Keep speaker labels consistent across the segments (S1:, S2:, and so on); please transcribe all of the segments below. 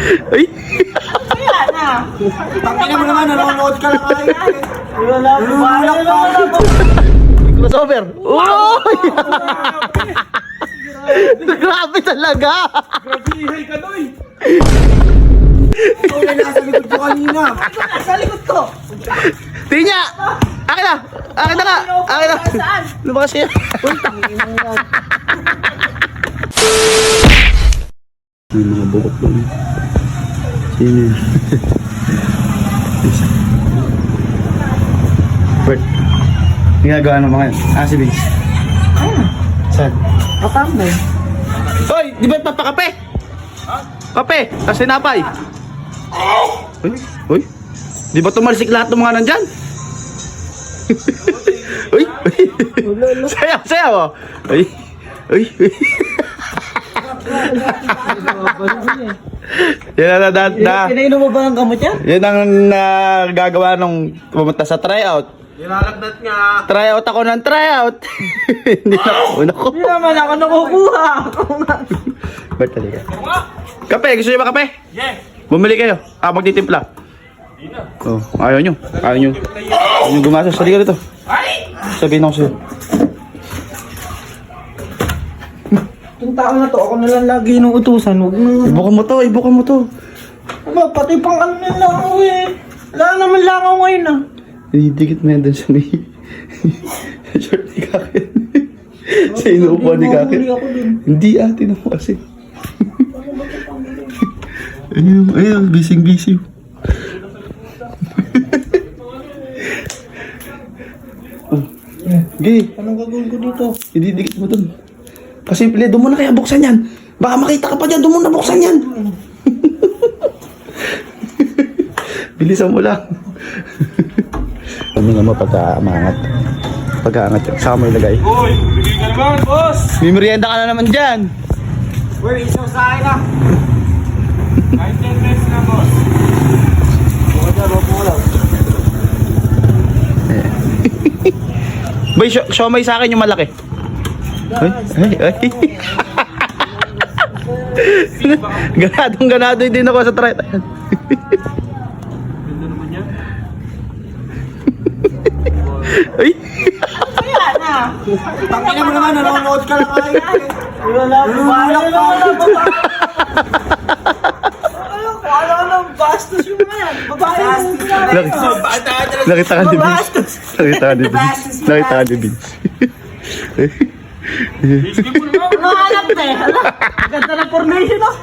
S1: Ay!
S2: Kaya na.
S3: Tangina mo naman, nanonood ka lang ay.
S2: Wala po. Wala po.
S1: Crossover! Uy! Grabe talaga!
S4: Grabihay ka doy!
S3: Ikaw na nasa likod ko kanina.
S2: Sa likod ko.
S1: Tinya! Akin na! Akin na nga! Akin na!
S2: Saan?
S1: Lumakas siya! May mga bukot doon. Sino yun? Bert, ginagawa ng mga yun. Si Vince. Saan?
S2: Kapamay.
S1: Hoy! Di ba papakape? Kape! Tapos sinapay! Uy! Uy! Di ba tumalsik lahat ng mga nandyan? Uy! Uy! Sayaw! Sayaw! Oh. Uy! Uy! Uy! Yan na.
S2: Pinainom mo ba ang gamot yan?
S1: Yan ang nagagawa nung pumunta sa tryout.
S4: Nilalagnat nga.
S1: Tryout ako ng tryout. Hindi na ako.
S2: Hindi naman ako nakukuha.
S1: Ba't talaga? Kape! Gusto nyo ba kape?
S4: Yeah.
S1: Bumili kayo. Magtitimpla.
S4: Hindi na.
S1: Oh, ayaw nyo. Ayaw nyo. Ayaw nyo gumastos. Halika dito. Sabihin ako sa'yo.
S2: Itong tao na to, ako na lang lagi nung utusan. Huwag mo.
S1: Ibukan mo to. Ibukan mo to.
S2: Aba, pati pang ano na lang ako eh. Wala naman lang ako ngayon ah.
S1: Didikit mo yan dun sa may... Short ni Kakin. Sa inuupuan ni Kakin.
S2: Mahuli ako dun.
S1: Hindi atin ako kasi. Ayun, bising-busy. Oh, gay.
S2: Anong gagawin ko dito?
S1: Ididikit mo dun. Pasimple, doon mo na kaya buksan yan. Baka makita ka pa dyan, doon mo na buksan yan. Bilisan mo lang. Ano nga mo pagka-amangat? Pagka-angat yan. Saka mo ilagay.
S4: Uy, bigay ka naman, boss!
S1: May merienda ka na naman dyan.
S3: Uy, isaw sa akin ah.
S4: Kahit 10 pesos na, boss.
S1: Boy, siomay sa akin yung malaki. Ay, ay, ay. Ganadong-ganado din ako sa try.
S4: Ganda naman yan.
S1: Ay,
S2: Kaya na.
S3: Tangina mo naman, nanonood ka lang ay.
S2: Wala po. Wala po. Ano nang bastos yung mga yan? Babae yung
S1: nakita ka ni Vince. Nakita ka ni Vince. Nakita ka ni Vince.
S4: Biscuit mo naman!
S2: Ano hanap na eh? Hala, ganda ng formation oh.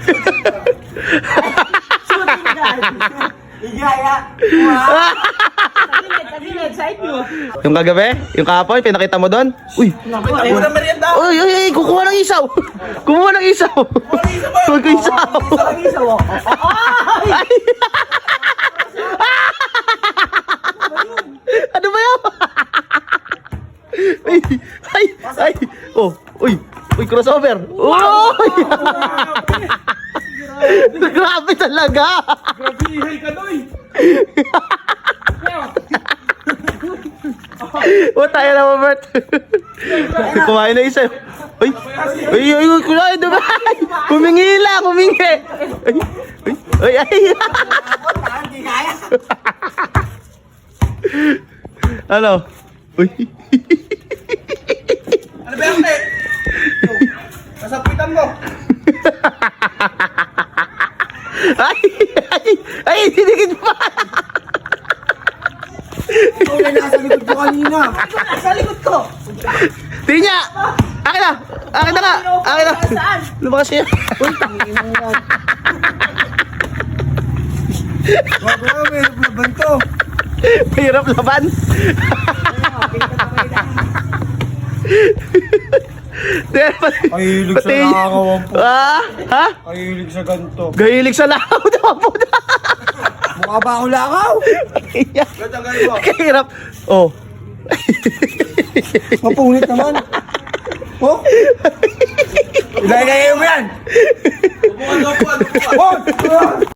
S2: Shooting guard.
S3: Igaya.
S2: Tagilid, side view.
S1: Yung kagabi? Yung kahapon? Pinakita mo doon? Uy!
S2: Naku, eh.
S1: Uy, uy, uy! Kukuha ng isaw! Kumuha ng isaw! Huwag ko isaw!
S2: Ang isa oh. Ay!
S1: Ano ba yan? Ay! Ay! Ay! Oh! Uy! Uy! Crossover! Uy! Grabe talaga!
S4: Grabihay ka doy!
S1: O, tayo na mo, Bert. Kumain na isa. Uy! Uy! Uy! Uy! Kumain na ba? Humingi lang! Humingi! Ay! Ay! Ay!
S3: Hindi kaya.
S1: Ano? Uy!
S3: Ano ba yung te? Kasapitan mo.
S1: Ay! Ay! Ay! Dinigit pa!
S3: Ikaw na nasa likod ko kanina.
S2: Sa likod ko.
S1: Tinya! Akin na! Akin na nga! Akin na!
S2: Saan?
S1: Lumakas siya!
S3: Bago na, may laban to.
S1: Mahirap laban!
S3: Kahilig sa nakakawang po.
S1: Ah? Ha?
S3: Kahilig sa ganito.
S1: Gahilig sa lakaw daw po na!
S3: Mukha ba akong lakaw?
S1: Kahirap! Oh!
S3: Mapunit naman. Oh? Ilagay mo yan.
S4: Upuan, upuan, upuan!
S3: Oh!